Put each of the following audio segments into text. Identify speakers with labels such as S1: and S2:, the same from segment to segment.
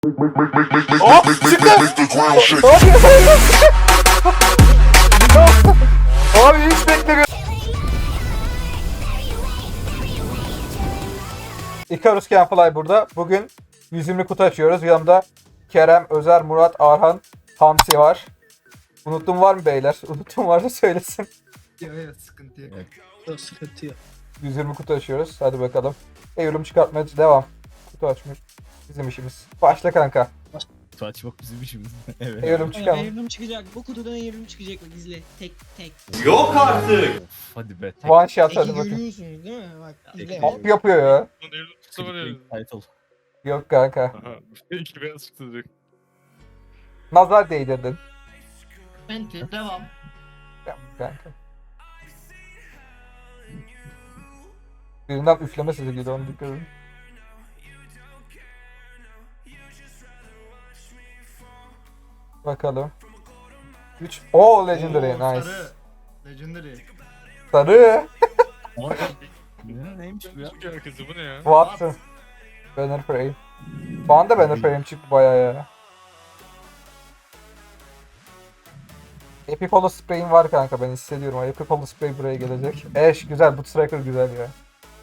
S1: Hop çıktı. Abi hiç beklemiyorum. Icarus Canfly burada. Bugün 120 kutu açıyoruz. Yanımda Kerem, Özer, Murat, Arhan, Hamsi var. Unuttum var mı beyler? Unuttum varsa söylesin.
S2: Evet, sıkıntı yok.
S3: Yok, sıkıntı yok.
S1: 120 kutu açıyoruz. Hadi bakalım. Evrim çıkartmaya devam. Kutu açmış. Bizim işimiz. Başla kanka.
S4: Kutu açmak bizim işimiz. Evet.
S1: Evrim çıkalım.
S3: Evrim çıkacak. Bu kutudan evrim çıkacak. Bak izle. Tek tek.
S5: Yok artık.
S4: Of, hadi be.
S1: One shot hadi
S3: Teki
S1: bakayım.
S3: görüyorsunuz değil mi? Bak izle.
S4: Tek-
S1: Hop yapıyor ya.
S5: Tutsa var ya.
S4: Title.
S1: Yok kanka.
S5: Aha. İki beyaz çıktı direkt.
S1: Nazar değdirdin.
S2: Penti, devam.
S1: Yap kanka. Birinden üfleme sesi geliyor, onu dikkat edin. Bakalım. 3. Oo Legendary,
S2: Oo,
S1: nice.
S2: Sarı. Legendary.
S1: Sarı.
S4: Neymiş bu ya?
S5: Çıkıyor herkese bu ne ya?
S1: Watson. Banner Frame. Bana da Banner Frame çıktı bayağı ya. Epic Hollow Spray'im var kanka, ben hissediyorum. Epic Hollow Spray buraya gelecek. Eş güzel, bu Striker güzel ya.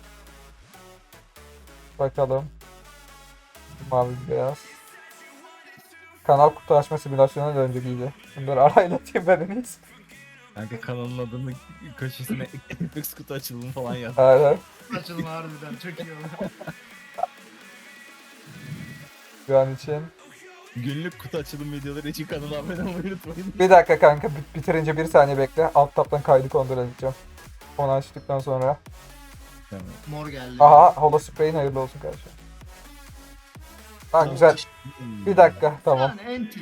S1: Bakalım. Mavi beyaz. Kanal kutu açma simülasyonuna dönecek iyice. Bunları arayla atayım ben en iyisi.
S4: Kanka kanalın adını köşesine Apex kutu açılımı falan yaz.
S1: Aynen.
S2: Açılma harbiden çok iyi oldu.
S1: Şu an için.
S4: Günlük kutu açılım videoları için kanala abone olmayı unutmayın.
S1: Bir dakika kanka, bitirince bir saniye bekle. Alt taptan kaydı kontrol edeceğim. Onu açtıktan sonra.
S2: Mor geldi.
S1: Aha, Hollow Spray'in hayırlı olsun kardeşim. Ha güzel. Bir dakika, tamam.
S2: Yani enti.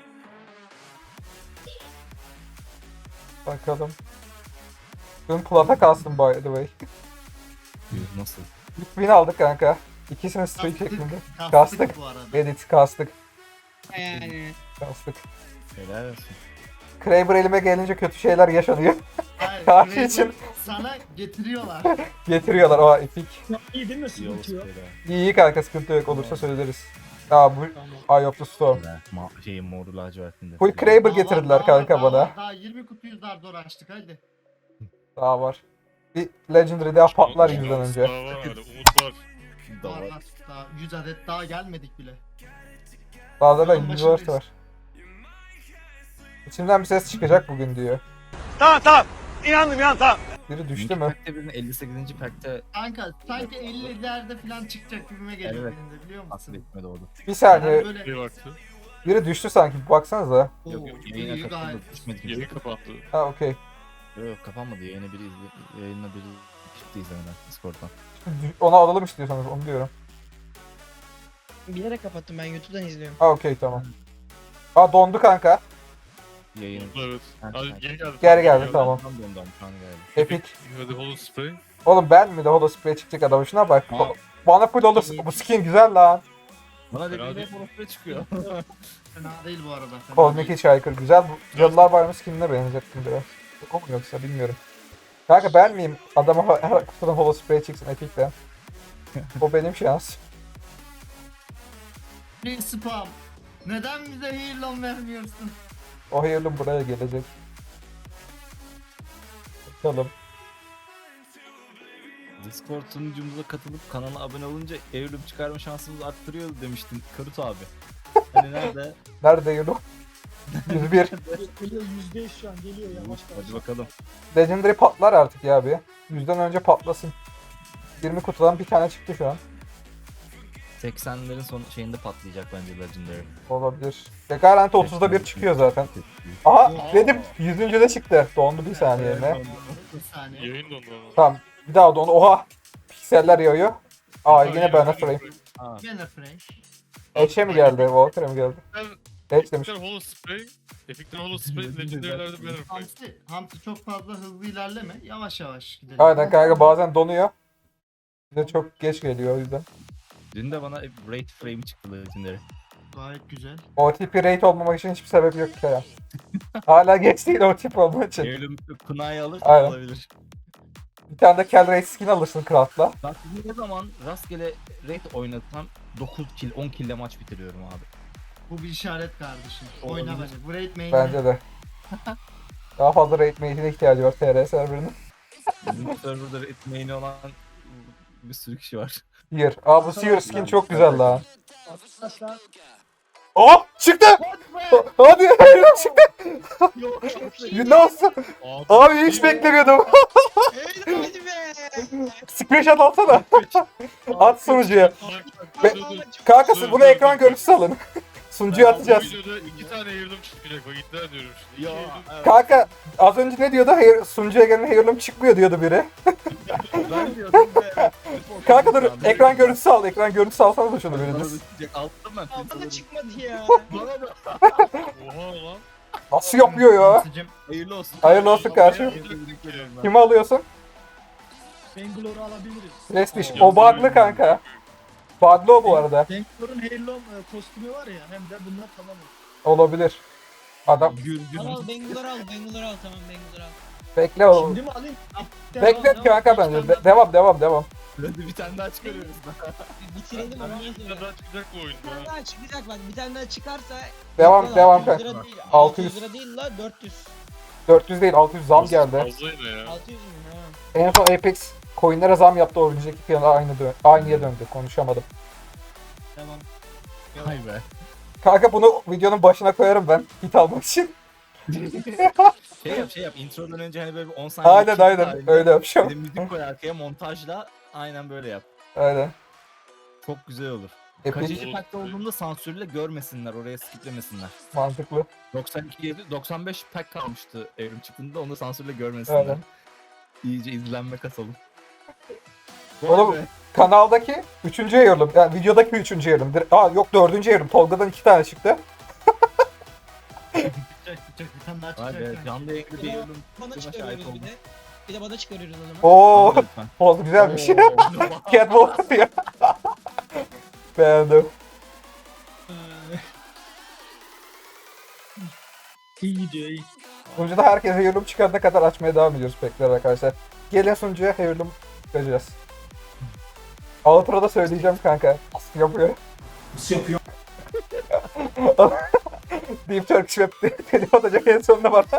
S1: Bakalım. Dün plata kastım by the way.
S4: Nasıl?
S1: Win aldık kanka. İkisini streak şeklinde. Kastık.
S2: Kastık bu arada.
S1: Edit kastık.
S3: Yani.
S1: Kastık.
S4: Helal olsun.
S1: Kraber elime gelince kötü şeyler yaşanıyor.
S2: Hayır,
S1: Karşı
S2: Kraber
S1: için.
S2: sana getiriyorlar.
S1: Getiriyorlar o epik.
S3: İyi değil mi?
S4: İyi
S3: Sıkıntı
S4: olsun
S3: yok.
S4: böyle.
S1: İyi kanka, sıkıntı yok, olursa söyleriz. Aa bu
S3: Tamam.
S1: Eye of the Storm.
S4: Şeyin moru lacivertinde.
S1: Full Kraber getirdiler kanka bana.
S2: Daha 20 kutuyu zar zor açtık hadi.
S1: Daha var. Bir Legendary daha patlar yüzden önce.
S5: Daha var hala, umut var.
S2: Var var. Daha 100 adet daha gelmedik bile.
S1: Daha da
S2: Tamam,
S1: Universe
S2: başındayız.
S1: var. İçimden bir ses çıkacak bugün diyor.
S5: Tamam. İnandım tamam.
S1: Biri düştü mü?
S4: Pack'te birinin 58. pack'te
S2: Kanka sanki 50'lerde falan çıkacak gibime geliyor
S4: Evet.
S2: benim de biliyor
S4: asıl
S2: musun?
S4: etmedi orada.
S1: Bir saniye.
S2: Yani böyle
S5: Bir baktı.
S1: Biri düştü sanki. Baksanıza.
S4: Yok yok yayına
S2: iyi
S4: katıldı.
S2: gayet.
S4: Düşmedi
S5: Yeni
S4: kimse.
S5: kapandı.
S1: Ha okey.
S4: Yok kapanmadı yayına biri çıktı izlemeden Discord'dan.
S1: Onu alalım istiyorsanız, onu diyorum.
S3: Bilerek kapattım, ben YouTube'dan izliyorum.
S1: Ha okey, tamam. Aa dondu kanka.
S4: Yayın.
S5: Evet.
S4: Ha,
S5: Hadi geri geldi.
S1: Geri geldi, tamam.
S4: Tam dondu şu an geldi.
S1: Epic.
S5: Hadi Hollow Spray.
S1: Oğlum ben mi de Hollow Spray çıkacak adamın, şuna bak.
S4: Ha.
S1: Bana full olur. Bu skin güzel lan.
S4: Bana
S5: Fena
S4: dediğinde
S5: değil.
S4: profile çıkıyor.
S2: fena değil bu arada. fena
S1: Cosmic
S2: değil.
S1: Hitchhiker güzel. Bu Cadılar Bayramı skinine benzettim biraz. O mu yoksa bilmiyorum. Kanka ben miyim? Adama her kutudan Hollow Spray çıksın Epic'ten. O benim şans.
S2: Ne spam? Neden bize heal'lan vermiyorsun?
S1: O hayırlı buraya gelecek. Bakalım.
S4: Discord sunucumuza katılıp kanala abone olunca evrim çıkarma şansımızı arttırıyor demiştin Karut abi. Hani nerede?
S1: Nerede yolu? 101.
S3: Geliyor %100 şu an geliyor yavaş
S4: Hadi bakalım.
S1: Legendary patlar artık ya bir. 100'den önce patlasın. 20 kutudan bir tane çıktı şu an.
S4: 80'lerin son şeyinde patlayacak bence Legendary.
S1: Olabilir. Ve garanti 30'da bir çıkıyor zaten. Aha dedim 100. de çıktı. Dondu bir saniye yerine.
S2: Bir saniye.
S5: Yayın dondu ama.
S1: Tamam. Bir daha dondu. Oha. Pikseller yağıyor. Aa yine Banner Frame.
S4: Ha,
S2: Banner Fresh.
S1: Edge'e mi geldi? Walker'a mı geldi? Edge demiş.
S5: Epic'ten Hollow Spray. Epic'ten Hollow Spray. Legendary'lerde Banner Frame.
S2: Hamsi çok fazla hızlı ilerleme. Yavaş yavaş gidelim.
S1: Aynen kanka, bazen donuyor. Bize çok geç geliyor o yüzden.
S4: dün de bana Raid Frame çıktı Legendary.
S2: Gayet güzel.
S1: OTP rate olmamak için hiçbir sebep yok ki ya. Hala geç değil OTP olmak için.
S4: Evrim Kunay'ı alır
S1: Aynen.
S4: olabilir.
S1: Bir tane de Kel Ray skin alırsın Craft'la.
S4: Bak ne zaman rastgele raid oynatsam 9 kill 10 kill'le maç bitiriyorum abi.
S2: Bu bir işaret kardeşim.
S4: Olabilir.
S2: Oyna bence. Bu raid main'e.
S1: Bence de. Daha fazla raid mate'ine ihtiyacı var TR serverının.
S4: Bizim serverda raid main'i olan bir sürü kişi var.
S1: Seer. Aa bu Seer skin çok güzel lan.
S6: Arkadaşlar.
S1: Aa çıktı! Hadi çıktı!
S3: Yok çok iyi.
S1: Nasıl? Abi hiç beklemiyordum.
S3: Hadi be.
S1: Screenshot atsana. At sunucuya. Kanka siz bunu ekran görüntüsü alın. Sunucuya atacağız.
S5: Bu videoda 2 tane ayırdım çıkacak. Bak iddia ediyorum şimdi.
S4: Ya,
S5: İki ayırdım.
S4: evet.
S1: Kanka az önce ne diyordu? Sunucuya gelen heirloom çıkmıyor diyordu biri.
S4: Ben diyordum be.
S1: Kanka dur ekran görüntüsü al. Ekran görüntüsü alsana da şunu biriniz.
S4: Alttım ben.
S3: Bana da çıkmadı ya.
S4: Bana da.
S5: Oha lan.
S1: Nasıl yapıyor ya?
S2: Hamsicim,
S4: Hayırlı olsun.
S1: Hayırlı olsun kardeşim. Kimi alıyorsun?
S6: Bangalore'u alabiliriz.
S1: Prestige. O bug'lı kanka. Bug'lı o bu arada.
S6: Bangalore Heirloom kostümü var ya hem de bunlar tamam.
S1: Olabilir. Adam
S3: Al al Bangalore al Bangalore al tamam Bangalore al.
S1: bekle oğlum.
S6: Şimdi mi alayım?
S1: Beklet kanka bence. Devam.
S4: Hadi bir tane daha çıkarıyoruz.
S3: Bitirelim ondan
S5: Bir
S3: sonra.
S5: tane daha çıkacak bu
S3: Bir
S5: oyunda.
S3: tane daha çıkacak bak bir tane daha çıkarsa
S1: Devam
S3: 600
S1: kanka.
S3: lira değil,
S1: 600.
S3: 600 lira değil la 400.
S1: 400 değil 600 zam geldi.
S5: Fazla yine ya.
S3: 600 mü ha?
S1: En son Apex coinlere zam yaptı. O önceki fiyatı aynıya döndü. Konuşamadım.
S3: Tamam.
S4: Hay be.
S1: Kanka bunu videonun başına koyarım ben. Hit almak için.
S4: Şey yap. Introdan önce hani böyle bir 10 saniye.
S1: Aynen
S4: çıktı
S1: aynen.
S4: halinde.
S1: Öyle
S4: Bir
S1: yapacağım.
S4: de müzik koy arkaya montajla aynen böyle yap.
S1: Aynen.
S4: Çok güzel olur.
S1: Epic
S4: Kaçıncı pack'te olduğunda sansürle görmesinler, oraya skiplemesinler.
S1: mantıklı.
S4: 95 pack kalmıştı evrim çıktığında, onu sansürle görmesinler.
S1: Aynen.
S4: İyice izlenme kasalım.
S1: Oğlum,
S4: Vay be.
S1: Kanaldaki 3. ayırım. Yani videodaki 3. ayırım. Aa yok 4. ayırım. Tolga'dan 2 tane çıktı.
S2: çıkacak bir tane daha
S4: Vay be,
S2: çıkacak.
S4: canlı yayında bir evrim
S3: Bana
S4: çıktığına şahit
S3: çıkarıyoruz
S4: oldum.
S3: bir de. Bir de bana çıkarıyoruz o zaman.
S1: Oo,
S4: Anla lütfen.
S1: oldu güzelmiş.
S4: Oo.
S1: Catwalk diyor. Beğendim.
S6: İyi gidiyor iyi.
S1: Sunucuda herkes heirloom çıkarana kadar açmaya devam ediyoruz bekler arkadaşlar. Gelin sunucuya heirloom çıkacağız. Outro'da söyleyeceğim kanka. Nasıl yapıyor?
S6: Nasıl yapıyor?
S1: Deep Turkish Web telif atacak en sonunda bana.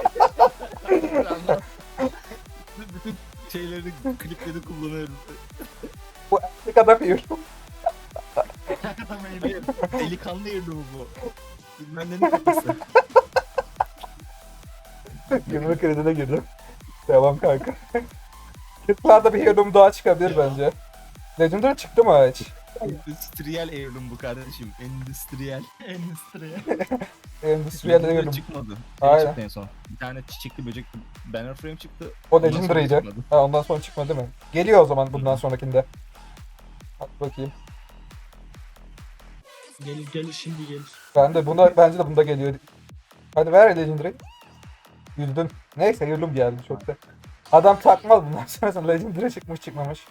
S4: Bütün şeyleri, klipleri kullanıyorum.
S1: Bu erkek adam heirloom.
S4: Hayır, delikanlı evrim bu. Bilmem ne kapısı.
S1: Gülme kredine girdim. Devam kanka. Kırklarda bir heirloom daha çıkabilir bence. Legendary çıktı mı hiç?
S4: Endüstriyel evrim bu kardeşim. Endüstriyel.
S2: Endüstriye.
S1: Endüstriyel
S4: Legendary
S1: heirloom.
S4: çıkmadı.
S1: Aynen.
S4: Çıktı en son. Bir tane çiçekli böcekli banner frame çıktı.
S1: O
S4: Ondan sonra
S1: Legendary'di.
S4: çıkmadı.
S1: Ha ondan sonra çıkmadı değil mi? Geliyor o zaman bundan sonrakinde. Bak bakayım.
S6: Gelir şimdi gelir.
S1: Bence de bunda geliyor. Hadi ver Legendary. Güldün. Neyse heirloom geldi çok da. Adam takmaz bundan sonra Legendary çıkmış çıkmamış.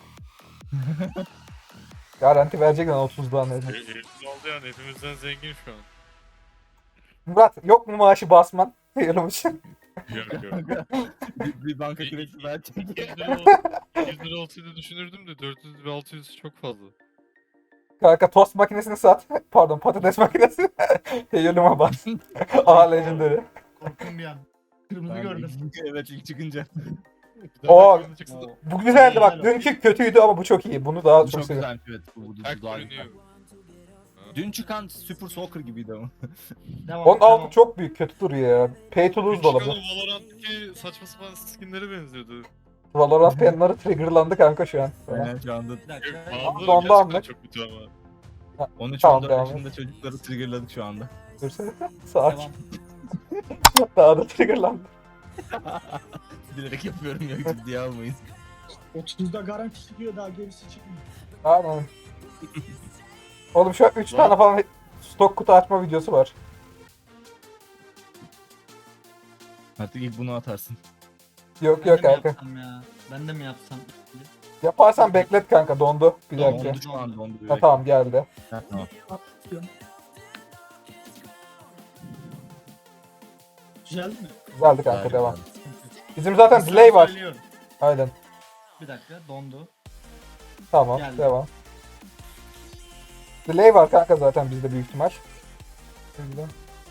S1: Garanti verecek lan 30'dan dedim.
S5: Herif oldu yani, hepimizden zengin şu an.
S1: Murat yok mu maaşı basman? Heirloom için.
S5: Yok yok.
S4: Bir banka kredisi verecek.
S5: 100 lira olsaydı düşünürdüm de 400 ve 600 çok fazla.
S1: Kanka tost makinesini sat. Pardon patates makinesi. Heirloom'a bas. Aha Legendary.
S2: Korktum bir an. Kırmızı
S4: Ben
S2: gördüm.
S4: Evet, ilk çıkınca.
S5: Bir daha
S1: Oo.
S5: kırmızı çıksın da
S1: Bu güzeldi bak.
S2: Güzel.
S1: Dünkü kötüydü ama bu çok iyi. Bunu daha
S4: Bu
S1: çok
S4: çok
S1: seviyorum.
S4: güzel, evet. Bu
S5: tek
S4: daha
S5: görünüyor.
S4: güzel. Dün çıkan Super Soccer gibiydi ama.
S2: Devam.
S1: Onun
S2: devam.
S1: altı çok büyük kötü duruyor ya. Pay to lose da olabilir.
S5: Çıkan Valorant'taki saçma sapan skinlere benziyordu.
S1: Valorant penları triggerlandı kanka şu an.
S4: Aynen şu anda.
S2: Bir dakika.
S5: Bazıları
S1: Dondu
S5: gerçekten
S1: anlık.
S5: çok kötü ama.
S4: 13-14
S1: Tamam, devam
S4: yaşında çocukları triggerladık şu anda.
S1: Dursa. Sakin.
S2: Devam.
S1: Daha da triggerlandı.
S4: Bilerek yapıyorum ya, ciddiye almayın.
S6: 30'da garanti çıkıyor daha gerisi çıkmıyor.
S1: Aynen. Oğlum şu an 3 tane falan stok kutu açma videosu var.
S4: Artık ilk bunu atarsın.
S1: Yok
S2: Ben
S1: yok
S2: de mi
S1: kanka.
S2: yapsam ya? Ben de mi yapsam?
S1: Yaparsan beklet kanka dondu. Bir dakika.
S4: Dondu şu an, dondu.
S1: Ha tamam geldi.
S4: Ha, tamam.
S6: Güzel mi?
S1: Güzeldi kanka
S4: Güzel,
S1: devam.
S4: güzel.
S1: Bizim zaten delay var.
S2: Söylüyorum.
S1: Aynen.
S2: Bir dakika dondu.
S1: Tamam,
S2: Geldi.
S1: devam. Delay var kanka zaten bizde büyük ihtimal. Şimdi.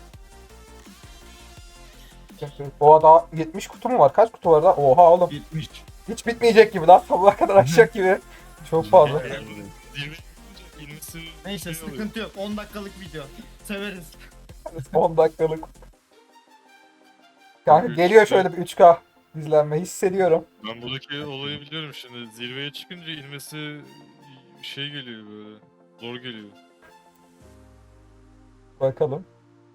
S1: Oha daha 70 kutu mu var? Kaç kutu var da? Oha oğlum.
S2: 70.
S1: Hiç bitmeyecek gibi lan. Sabaha kadar açacak gibi. Çok fazla.
S5: Zirve yapınca ilmesi
S2: Neyse
S5: şey oluyor.
S2: sıkıntı yok. 10 dakikalık video. Severiz.
S1: 10 dakikalık. Kanka geliyor şöyle bir 3K izlenme hissediyorum.
S5: Ben buradaki olayı biliyorum şimdi. Zirveye çıkınca ilmesi şey geliyor böyle. Zor geliyor.
S1: Bakalım.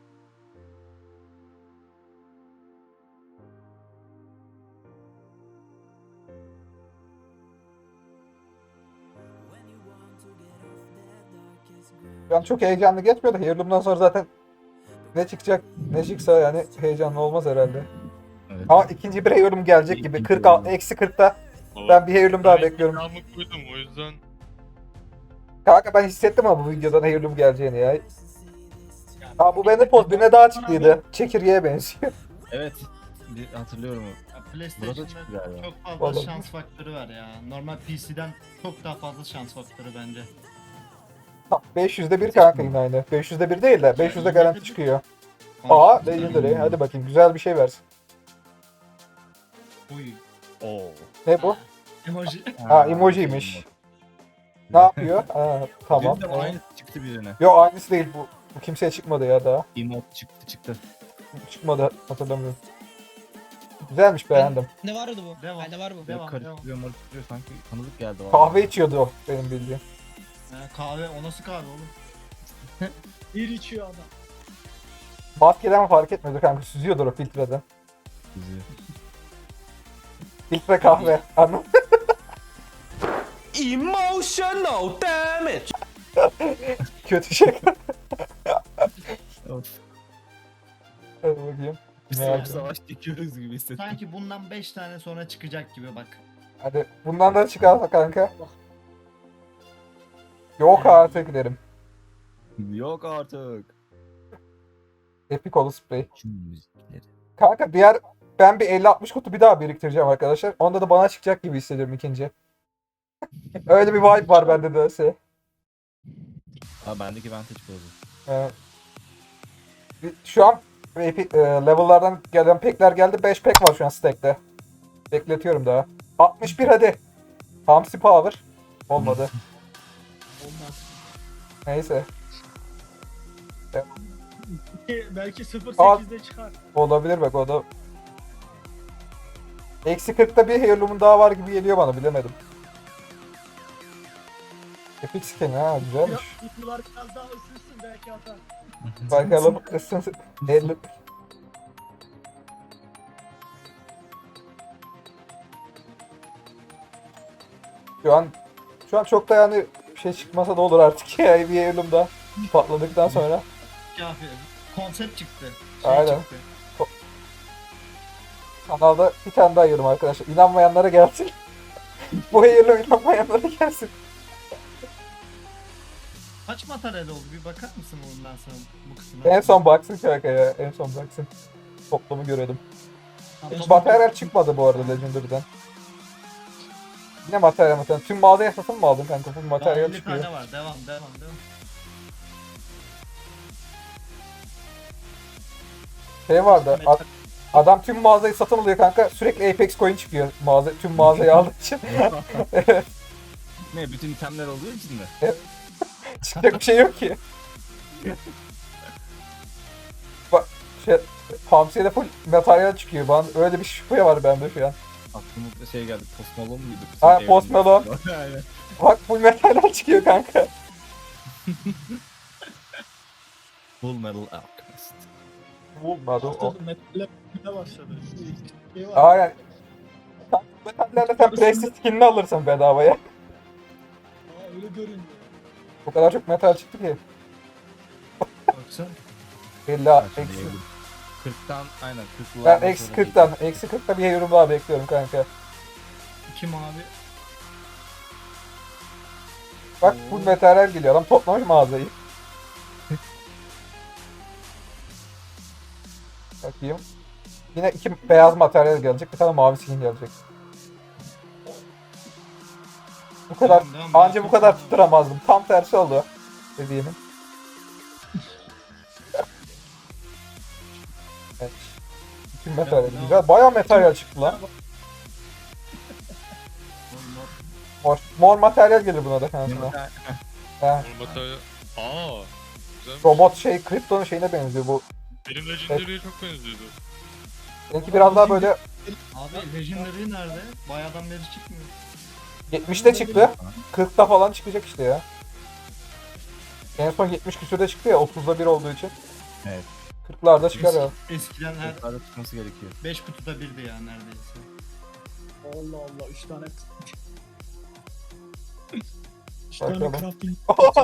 S1: Ben çok heyecanlı geçmiyor da Heirloom'dan sonra zaten ne çıkacak ne çıksa yani heyecanlı olmaz herhalde.
S4: Evet.
S1: Ama ikinci bir Heirloom gelecek gibi.
S4: İkinci
S1: 46,
S4: Heirloom.
S1: eksi 40'ta
S5: Ama
S1: ben bir Heirloom daha
S5: ben
S1: bekliyorum.
S5: iddiamı koydum o yüzden
S1: Kanka ben hissettim ama bu videodan Heirloom geleceğini ya. Aa bu bende poz birine daha çıktıydı. Çekirgeye benziyor.
S4: Evet. Hatırlıyorum.
S2: Ya
S4: Burada
S2: PlayStation'da
S4: çıktı galiba.
S2: çok fazla
S1: Olabilir.
S2: şans faktörü var ya. Normal PC'den çok daha fazla şans faktörü bence.
S1: 500'de 1 kanka yine aynı. 500'de 1 değil de 500'de garanti çıkıyor. Aa Legendary. Hadi bakayım güzel bir şey versin.
S2: Uy.
S4: Oo.
S1: Ne bu?
S2: Emoji.
S1: Ha emojiymiş. Ne yapıyor? Ha, tamam.
S4: Benim de aynı çıktı birine.
S1: Yo aynısı değil bu. Bu kimseye çıkmadı ya daha.
S4: Emote çıktı.
S1: Çıkmadı hatırlamıyorum. Güzelmiş beğendim.
S3: Ne vardı bu?
S2: Devam.
S3: Bende var bu.
S2: Devam,
S4: Karıştırıyor marıştırıyor sanki tanıdık geldi bana.
S1: Kahve içiyordu o benim bildiğim.
S2: Kahve o nasıl kahve oğlum?
S6: Bir içiyor adam.
S1: Maskeden mi fark etmedi kanka süzüyordur o filtreden.
S4: Bizi.
S1: Filtre kahve. Anladın?
S7: Emotional damage.
S1: Kötü şey.
S4: Of.
S1: Hadi bakayım.
S4: Biz
S1: Merak
S4: savaş çekiyoruz gibi hissettim.
S2: Sanki bundan 5 tane sonra çıkacak gibi bak.
S1: Hadi bundan da çıkarsa kanka. Yok artık derim.
S4: Yok artık.
S1: Epic Olu Spray.
S4: Şu müzikleri.
S1: Kanka ben bir 50-60 kutu bir daha biriktireceğim arkadaşlar. Onda da bana çıkacak gibi hissediyorum ikinci. Öyle bir vibe var bende de.
S4: Ha bendeki vantage bozdu.
S1: Şu an level'lardan gelen pekler geldi. 5 pek var şu an stack'te. Bekletiyorum daha. 61 hadi. Hamsi Power. Olmadı.
S6: Olmaz.
S1: Neyse.
S6: Belki 0.8'de çıkar.
S1: Olabilir bak o da. Eksi 40'ta bir Heirloom'un daha var gibi geliyor bana bilemedim. Epic skin ha güzelmiş.
S6: Kutular biraz daha ısınsın belki atar.
S1: Bakalım ısınsın. Heirloom. Şu an çok da yani bir şey çıkmasa da olur artık ya bir Heirloom da patladıktan sonra.
S2: Kafi. Konsept çıktı.
S1: Aynen.
S2: Çıktı.
S1: Kanalda bir tane daha yiyorum arkadaşlar. İnanmayanlara gelsin. Bu Heirloom inanmayanlara gelsin.
S2: Kaç materyal oldu bir bakar mısın bundan sonra bu kısmına?
S1: En son baksın kanka ya. En son baksın. Toplamı görelim. Hiç
S2: Toplam-
S1: materyal çıkmadı bu arada Legendary'den. Yine materyal. Tüm mağazaya satın mı aldın kanka? Full
S2: Daha
S1: materyal
S2: 50
S1: çıkıyor.
S2: tane var. Devam.
S1: Şey vardı. Adam tüm mağazayı satın alıyor kanka. Sürekli Apex coin çıkıyor. Tüm mağazayı aldığı için.
S4: Ne bütün itemler olduğu için mi?
S1: Çıkacak bir şey yok ki. Bak Hamsi'de full materyal çıkıyor. Bana öyle bir şüphe var bende şu an.
S4: Aklıma şey geldi. Post Malone muydu?
S1: Ha, Post Malone.
S4: Aynen.
S1: Bak full materyal çıkıyor kanka.
S4: Full Metal Alchemist.
S1: Bulmadı o.
S6: Haftada metal başladı. Şey var.
S1: Aynen. Metallerle sen Presti skinini alırsın bedavaya.
S6: Aa, öyle görünüyor.
S1: O kadar çok metal çıktı ki.
S2: Baksana.
S1: 50
S4: Ha,
S1: eksi.
S4: şimdi 40'tan aynen 40'lı.
S1: Ben eksi 40'tan. Eksi 40'ta bir yorum daha bekliyorum kanka.
S2: 2 mavi.
S1: Bak full materyal geliyor. Adam toplamış mağazayı. Bakayım. Yine 2 beyaz materyal gelecek. Bir tane mavi skin gelecek. kadar
S2: Devam.
S1: anca bu kadar tutturamazdım. Tam tersi oldu dediğimin. Evet. Bütün materyal
S2: Devam.
S1: güzel. Bayağı materyal çıktı lan. Mor materyal gelir buna da şansına. He.
S5: Materyal. Aa. Güzel.
S1: Robot şey, Krypton'un şeyine benziyor bu.
S5: Benim Legendary'e çok benziyordu.
S1: Benimki biraz daha böyle
S2: Abi Legendary nerede? Bayağıdan beri çıkmıyor.
S1: 70'te çıktı. 40'ta falan çıkacak işte ya. En son 70 küsürde çıktı ya 30'da 1 olduğu için.
S4: Evet.
S1: 40'larda çıkar ya.
S2: Eskiden her
S4: Yukarıda çıkması gerekiyor.
S2: 5 kutuda birdi ya neredeyse.
S6: Allah Allah 3 tane. 3
S1: Bakalım.
S6: tane crafting.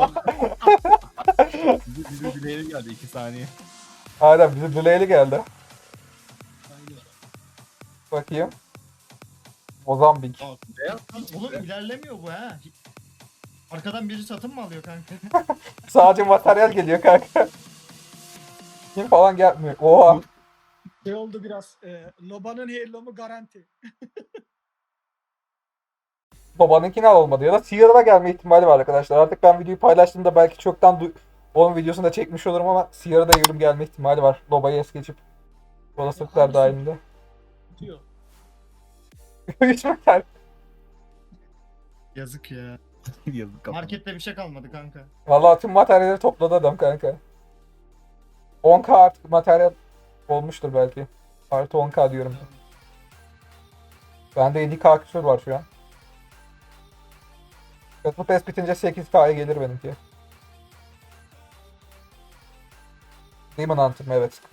S4: Bize dileğeri geldi 2 saniye.
S1: Aynen bize delay'li geldi.
S6: Aynen.
S1: Bakayım. Mozambik.
S2: Oğlum ilerlemiyor bu ha. Arkadan biri satın mı alıyor kanka?
S1: Sadece materyal geliyor kanka. Kim falan gelmiyor. Oha.
S6: Şey oldu biraz. Noba'nın heirloom'u garanti.
S1: Babanınkini al olmadı ya da Sierra gelme ihtimali var arkadaşlar. Artık ben videoyu paylaştığımda belki çoktan onun videosunu da çekmiş olurum ama Sierra'da yorum gelme ihtimali var. Loba'yı es geçip. Olasılıklar dahilinde.
S6: Diyor.
S1: 3 materyal.
S2: Yazık ya.
S4: Yazık kafam.
S2: Markette bir şey kalmadı kanka.
S1: Vallahi tüm materyalleri topladı adam kanka. 10k artık materyal olmuştur belki. Artı 10k diyorum. Bende 7k küsur var şu an. Battle Pass bitince 8k'ya gelir benimki. Demon Hunter mı? Evet.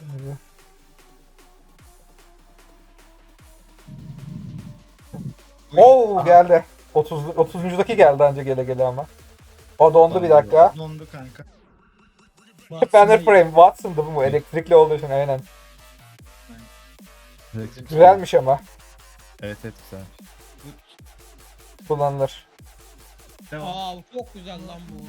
S1: Oo geldi. 30'uncudaki geldi anca gele ama. O dondu bir dakika.
S2: Dondu kanka.
S1: Banner Frame Watson'dı bu mu? Elektrikli olduğu için aynen. Güzelmiş ama.
S4: Evet evet güzel.
S1: Kullanılır.
S2: Devam.
S3: Aa çok güzel lan bu.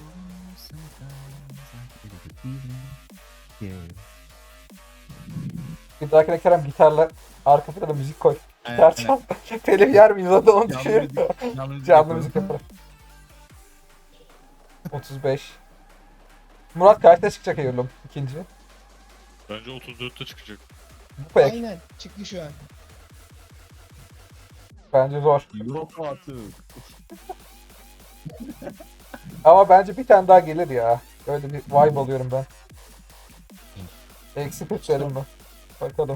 S1: Bir dahakine Kerem gitarla arka plana müzik koy. Gitar
S4: Aynen,
S1: çal. Telif yer miyiz o da onu
S4: Canlı
S1: düşünüyorum.
S4: müzik, canlı müzik
S1: Canlı
S4: yapalım.
S1: müzik yaparım. 35. Murat kaçta çıkacak Eylül'üm? İkinci.
S5: Bence 34'te çıkacak.
S1: Bu pek.
S3: Aynen çıktı şu an.
S1: Bence zor.
S4: Yok artık.
S1: Ama bence bir tane daha gelir ya. Öyle bir vibe alıyorum ben. Eksi 40 derim mi? Bakalım.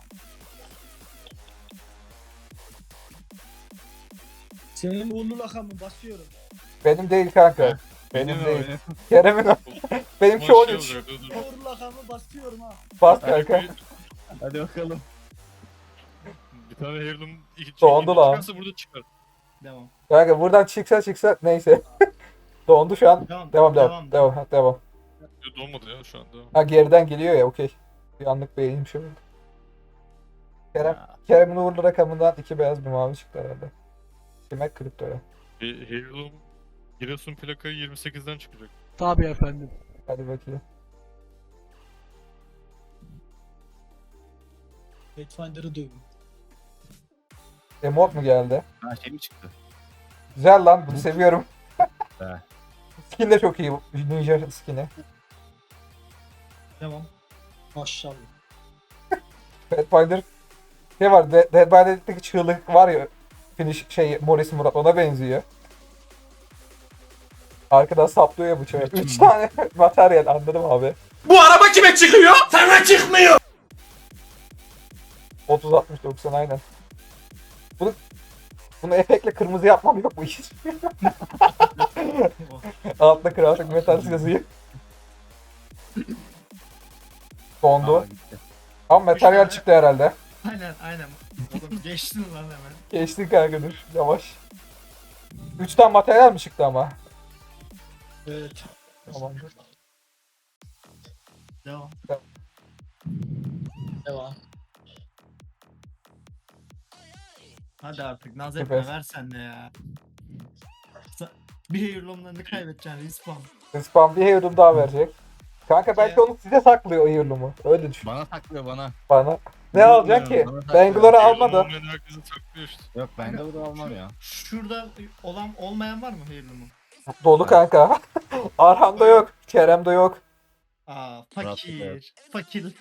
S6: Senin uğurlu lakamı basıyorum.
S1: Benim değil kanka. Benim
S4: Benim
S1: değil.
S4: öyle.
S1: Kerem'in o. Benimki
S5: Ama şey
S1: 13.
S5: olacak, dur.
S6: Uğurlu lakamı basıyorum ha.
S1: Bas kanka.
S4: Hadi bakalım.
S5: Bir tane Heirloom
S1: Dondu lan.
S5: çıkarsa burada çıkar.
S2: Devam.
S1: Kanka buradan çıksa neyse. Dondu şu an. Devam.
S5: Yok, donmadı ya şu anda.
S1: Ha geriden geliyor ya okey. Bir anlık beğeneyim şöyle. Kerem'in uğurlu rakamından 2 beyaz bir mavi çıktı herhalde. Demek kriptoya.
S5: Heirloom Giresun plakayı 28'den çıkacak.
S6: Tabii efendim.
S1: Hadi bakayım.
S6: Pathfinder'ı dövün.
S1: Emot mu geldi?
S4: Ha şey mi çıktı?
S1: Güzel lan bunu seviyorum.
S4: He.
S1: Skin de çok iyi bu. Ninja skin'i.
S2: Devam.
S6: Maşallah.
S1: Pathfinder şey var. Dead by Daylight'taki çığlık var ya. Finish şey Morris Murat ona benziyor. Arkadan saplıyor ya bıçağı. 3 tane materyal anladım abi.
S7: Bu araba kime çıkıyor? Sana çıkmıyor.
S1: 30 60 90 aynen. Bunu efektle kırmızı yapmam yok mu hiç? Altında Classic Metals yazıyor. Dondu.
S4: Aa, gitti.
S1: Ama materyal
S2: tane.
S1: çıktı herhalde.
S2: Aynen. Oğlum geçtin lan hemen.
S1: Geçtin kanka dur. Yavaş. 3 tane materyal mi çıktı ama?
S6: Evet.
S1: Tamamdır.
S2: Devam.
S6: Devam.
S2: Hadi artık naz
S1: Süper.
S2: etme ver sen de ya. Bir heirloomlarını kaybedeceksin respawn.
S1: Spam bir heirloom daha verecek. Kanka belki
S2: Şey-
S1: onu size saklıyor o heirloom'u. Öyle düşün
S4: Bana saklıyor bana.
S1: bana. Ne alacaksın ki?
S4: Bana tak-
S1: Bangalore
S5: Heirloom
S1: alma da.
S5: olmayan herkesi saklıyor işte.
S4: Yok ben de bunu almam ya.
S2: Şurada olmayan var mı Heirloom'un?
S1: Dolu kanka. Arham'da yok. Kerem'de yok.
S2: Aa
S4: Murat
S2: fakir. Fakir.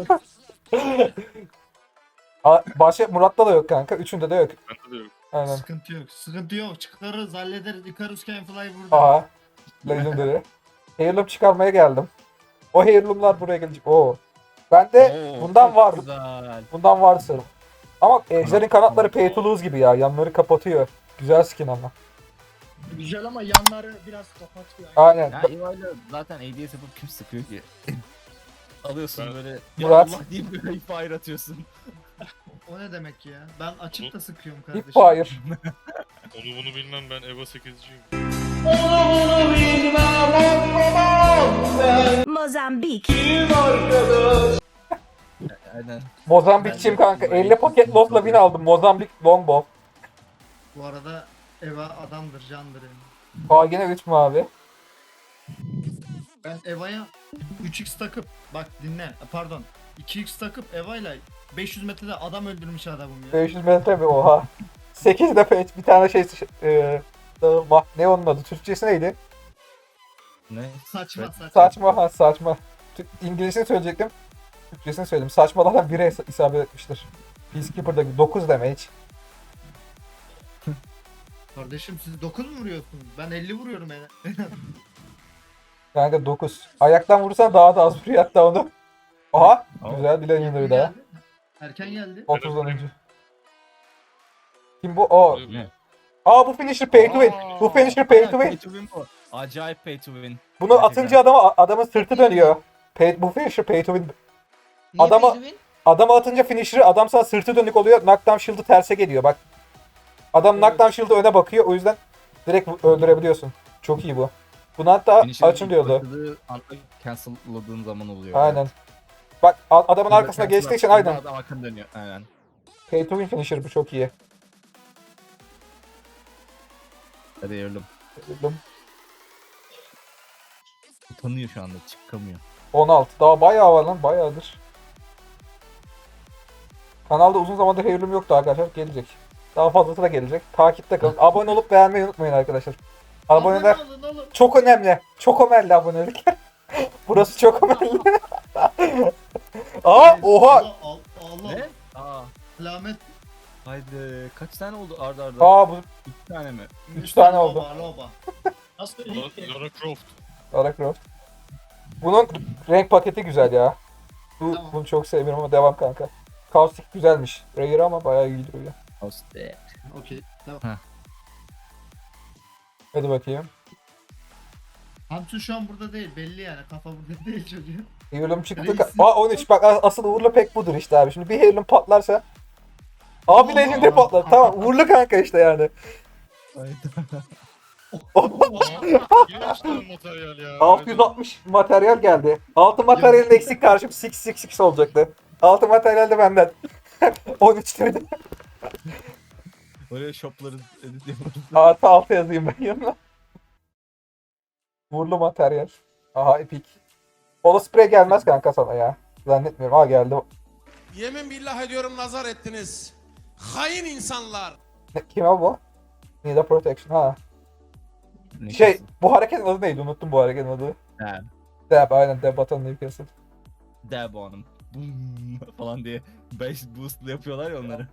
S1: Başka Murat'ta da yok kanka. Üçünde de yok.
S5: Bende de yok.
S1: Aynen.
S2: Sıkıntı yok. Sıkıntı yok. Çıkarırız hallederiz. Icarus can fly burada.
S1: Aha. Legendary. Heirloom çıkarmaya geldim. O Heirloom'lar buraya gelecek. Oo. Bende
S4: Oo,
S1: bundan
S4: çok
S1: vardı.
S4: Güzel.
S1: Bundan vardı sanırım. Ama Ejder'in kanatları pay to lose gibi ya. Yanları kapatıyor. Güzel skin ama.
S6: Güzel ama yanları biraz kapatıyor.
S1: Aynen.
S4: Ya Eva'yla zaten ADS yapıp kim sıkıyor ki? Alıyorsun
S5: Ben-
S4: böyle ya
S1: Murat.
S4: Allah deyip böyle fire atıyorsun.
S2: O ne demek ya? Ben açıp da sıkıyorum
S1: Hip
S2: kardeşim.
S1: fire.
S5: Onu bunu bilmem, ben EVA 8'ciyim.
S8: Mozambik.
S4: Aynen.
S1: Mozambikçiyim kanka. 50 paket lotla win aldım. Mozambik longbow.
S2: Bu arada Eva adamdır, candır yani.
S1: Aa yine 3 mavi.
S2: Ben Eva'ya 3x takıp bak dinle pardon 2x takıp Eva'yla 500 metrede adam öldürmüş adamım ya.
S1: 500 metre mi? Oha. 8 de page. Bir tane şey... ne onun adı? Türkçesi neydi?
S4: Ne?
S2: Saçma
S4: Evet.
S2: saçma.
S1: Saçma ha saçma. İngilizcesini söyleyecektim. Türkçesini söyledim. Saçmalardan biri isabet etmiştir. Peacekeeper'da 9 damage.
S2: Kardeşim siz 9 mu vuruyorsunuz? Ben 50 vuruyorum yani.
S1: Kanka 9. Ayaktan vurursan daha da az vuruyor hatta onu. Aha.
S4: Aa.
S1: Güzel bir legendary daha.
S2: Erken geldi.
S1: 30'dan önce. Kim bu? O.
S4: Ne?
S1: Aa bu finisher pay to win. Bu finisher pay to
S4: Pay
S1: win.
S4: to win bu. Acayip pay to win.
S1: Bunu atınca adamın sırtı dönüyor. Bu finisher pay to win.
S3: Niye
S1: Adama-
S3: Benjamin?
S1: Adama atınca finisher'ı adam sana sırtı dönük oluyor. Knockdown shield'ı terse geliyor bak. Adam knockdown shield'ı öne bakıyor. O yüzden direkt öldürebiliyorsun. Çok iyi bu. Bunu hatta
S4: Finisher'ın
S1: açın diyordu.
S4: başladığı anda cancel'ladığın zaman oluyor.
S1: Aynen. Bak adamın
S4: Burada
S1: arkasına
S4: cancel
S1: geçtiği için
S4: attığında
S1: aynen.
S4: Adam arkanı dönüyor. Aynen.
S1: Pay to win finisher bu çok iyi.
S4: Hadi Evrim. Utanıyor şu anda çıkamıyor.
S1: 16. Daha bayağı var lan. Bayağıdır. Kanalda uzun zamandır Heirloom yoktu arkadaşlar. Gelecek. Daha fazlası da gelecek. Takipte kalın. Abone olup beğenmeyi unutmayın arkadaşlar. Aboneler
S2: Alın alın.
S1: çok önemli. Çok önemli abonelikler. Burası çok önemli. Aa oha.
S2: Allah.
S4: Ne? Aa.
S2: Lamet.
S4: Haydi kaç tane oldu arda arda?
S1: Aa bu
S4: 2 tane mi?
S1: 3 tane oldu.
S2: Loba, loba.
S6: Nasıl
S5: Lara Croft.
S1: Lara Croft. Bunun renk paketi güzel ya.
S2: Tamam.
S1: Bunu çok seviyorum ama devam kanka. Kaustik güzelmiş. Rare ama bayağı iyi duruyor.
S4: Hoste.
S2: Okey. Tamam.
S1: Hadi bakayım.
S2: Hamsi şu an burada değil belli yani kafa burada değil çocuğun.
S1: Heirloom çıktı.
S2: Reisin-
S1: Aa 13 bak asıl uğurlu pek budur işte abi. Şimdi bir Heirloom patlarsa. Abi Legendary patlar. Tamam uğurlu kanka işte yani.
S5: Yine işte materyal ya.
S1: 660 materyal geldi. 6 materyalin eksik karşım 666 olacaktı. 6 materyal de benden. 13 dedim.
S4: Oraya shopları edit yaparız.
S1: Artı 6 yazayım ben yanına. Uğurlu materyal. Aha epik. Holo spray gelmez kanka sana ya. Zannetmiyorum. Ha geldi.
S7: Yemin billah ediyorum nazar ettiniz. Hain insanlar.
S1: Kime bu? Nida Protection ha.
S4: Ne
S1: Şey
S4: kesin?
S1: bu hareketin adı neydi? Unuttum bu hareketin adı.
S4: Dab.
S1: Dab aynen Dab Button Newcastle.
S4: Dab on 'em. Boom falan diye 5 boost'lu yapıyorlar ya onları.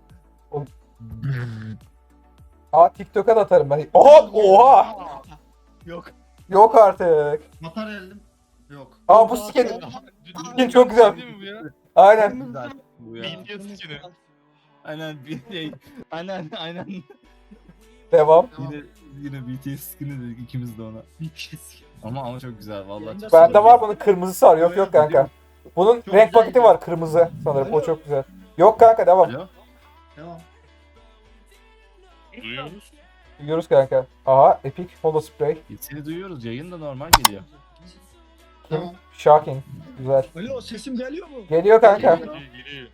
S1: Aa TikTok'a da atarım ben. Oha! Oha!
S4: Yok.
S1: Yok artık.
S2: Materyaldim. Yok.
S1: Aa bu skin. Skin çok güzel.
S5: Değil mi bu ya?
S1: Aynen.
S4: Güzel. Bu ya.
S5: BTS skin'i.
S4: Aynen bir şey. Aynen.
S1: Devam.
S4: Yine BTS skin'i dedik ikimiz de ona.
S2: Bir kez.
S4: Ama çok güzel vallahi. çok
S1: Bende
S4: güzel.
S1: var bunun kırmızısı var. Yok yok kanka. Bunun
S2: Çok
S1: renk
S2: güzel
S1: paketi var kırmızı sanırım. O
S6: Alo.
S1: çok güzel. Yok kanka devam.
S4: Alo.
S2: Tamam.
S5: Duyuyoruz.
S1: Duyuyoruz kanka. Aha Epic Holo Spray.
S4: Seni duyuyoruz yayın da normal geliyor.
S1: Kim?
S2: Tamam.
S1: Shocking. Güzel.
S6: Alo sesim geliyor mu?
S1: Geliyor kanka.
S5: Geliyor.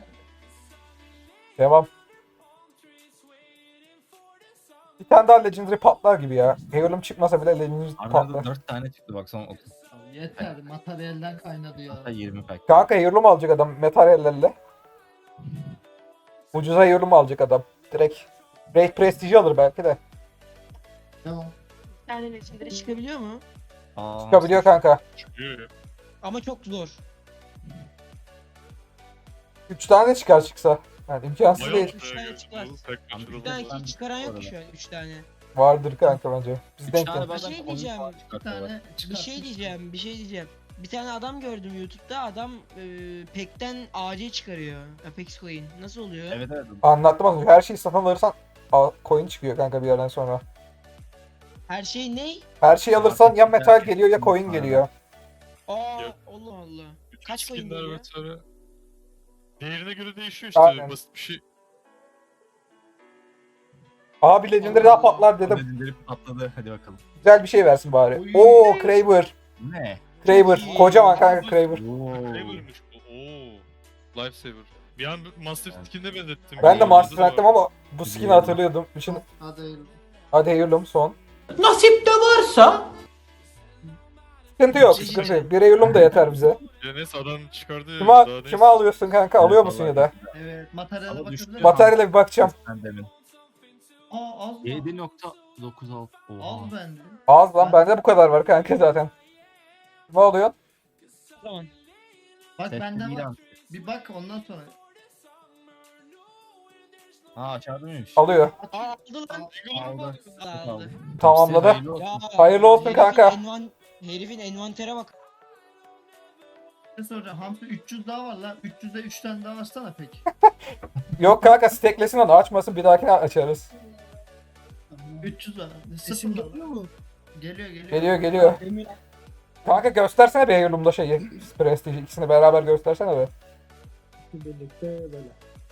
S1: Devam. Bir tane daha Legendary patlar gibi ya. Heirloom çıkmasa bile Legendary
S4: Arada
S1: patlar.
S4: 4 tane çıktı bak son 30.
S2: Yeter materyalden kaynadı ya.
S4: Hatta 20 pack.
S1: Kanka Heirloom alacak adam materyallerle. Ucuza yorum alacak adam. Direkt Raid Prestige'i alır belki de.
S2: Tamam.
S3: Yani legendary çıkabiliyor mu?
S4: Aa,
S1: Çıkabiliyor kanka.
S5: Çıkıyor ya.
S3: Ama çok zor.
S1: 3 tane de çıksa. Yani imkansız
S5: Bayağı
S1: değil.
S3: Üç tane
S5: çıkıyor.
S3: çıkar.
S5: Bu tek
S4: Abi,
S3: Bir
S5: kaçırılmaz.
S3: tane
S4: Ben-
S3: hiç çıkaran yok
S4: bu
S3: ki
S4: arada.
S3: şu an 3 tane.
S1: Vardır kanka bence. Biz
S4: 3
S1: denk
S4: tane
S1: geldik.
S4: bazen
S3: şey
S4: oyun
S3: diyeceğim,
S4: falan
S2: Bir
S4: çıkartıyorlar.
S2: tane
S3: Bir şey diyeceğim. Bir tane adam gördüm YouTube'da. Adam Pack'ten AC çıkarıyor. Apex Coin. Nasıl oluyor?
S4: Evet evet.
S1: Anlattım az önce. Her şeyi satın alırsan coin çıkıyor kanka bir yerden sonra.
S3: Her şey ne?
S1: Her şeyi alırsan ya metal
S4: Marketing
S1: geliyor ya coin
S4: aynen.
S1: geliyor.
S3: Aa
S5: Yok.
S3: Allah Allah.
S5: Bütün
S3: Kaç coin
S5: skinler
S3: geliyor?
S5: vesaire. Değerine göre değişiyor işte.
S1: Aynen.
S5: Basit bir şey.
S1: Abi Legendary daha patlar dedim.
S4: Legendary patladı. Hadi bakalım.
S1: Güzel bir şey versin bari.
S2: Oy.
S1: Oo Kraber.
S4: Ne?
S1: Kraber.
S3: iyi.
S1: Kocaman kanka Kraber.
S5: Kraber'mış bu. Oo. Lifesaver. Bir an Master skin'e benzettim.
S1: Ben de
S5: Orada
S1: Master
S5: da var.
S1: Chief'tim ama bu skin'i hatırlıyordum. Şimdi
S2: Hadi hayırlı.
S1: hadi hayırlım son.
S7: Nasip de varsa
S1: Sıkıntı yok, sıkıntı yok. Bir hayırlım da yeter bize.
S5: Ya neyse adam çıkardı.
S1: Kime,
S5: daha neyse.
S1: kime alıyorsun kanka? Alıyor
S4: Evet,
S1: musun
S4: vallahi.
S1: ya da?
S2: Evet materyale
S4: Ama
S2: bakabilir
S4: düştü.
S2: miyim?
S1: Bataryayla bir bakacağım.
S4: Ben demin.
S2: Aa az mı?
S4: 7.96. Oha.
S2: Az bende.
S1: Az lan bende bu kadar var kanka zaten. Ne oluyor?
S3: O zaman.
S2: Bak
S4: Tepki
S2: bende var.
S4: İran.
S2: Bir bak ondan sonra.
S4: Aa aşağıda mıymış?
S1: Alıyor.
S3: Aa aldı lan.
S4: Aldı.
S3: Aldı.
S1: Tamamladı.
S4: Hayırlı olsun.
S3: Ya,
S1: Hayırlı olsun kanka.
S3: Herifin envantere bak.
S2: Ne soracağım? Hamsi 300 daha var lan. 300'de 3 tane daha açsana peki.
S1: Yok kanka steklesin onu açmasın bir dahakine açarız.
S2: 300 var.
S6: Sesim
S2: Sıfır
S6: geliyor
S2: var.
S6: mu?
S2: Geliyor geliyor.
S1: Geliyor geliyor.
S6: Emin
S1: Kanka göstersene bir hayırlımda şeyi. Prestige ikisini beraber göstersene be.
S6: birlikte böyle.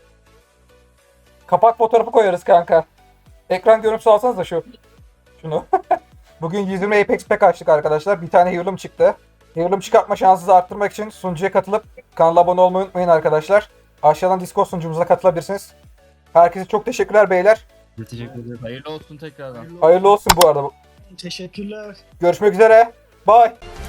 S1: Kapak fotoğrafı koyarız kanka. Ekran görüntüsü alsanız da şunu. Bugün 120 Apex Pack açtık arkadaşlar. Bir tane heirloom çıktı. Heirloom çıkartma şansınızı arttırmak için sunucuya katılıp kanala abone olmayı unutmayın arkadaşlar. Aşağıdan Discord sunucumuza katılabilirsiniz. Herkese çok teşekkürler beyler.
S4: Teşekkür ederim. Hayırlı olsun tekrardan.
S1: Hayırlı olsun bu arada.
S6: Teşekkürler.
S1: Görüşmek üzere. Bye.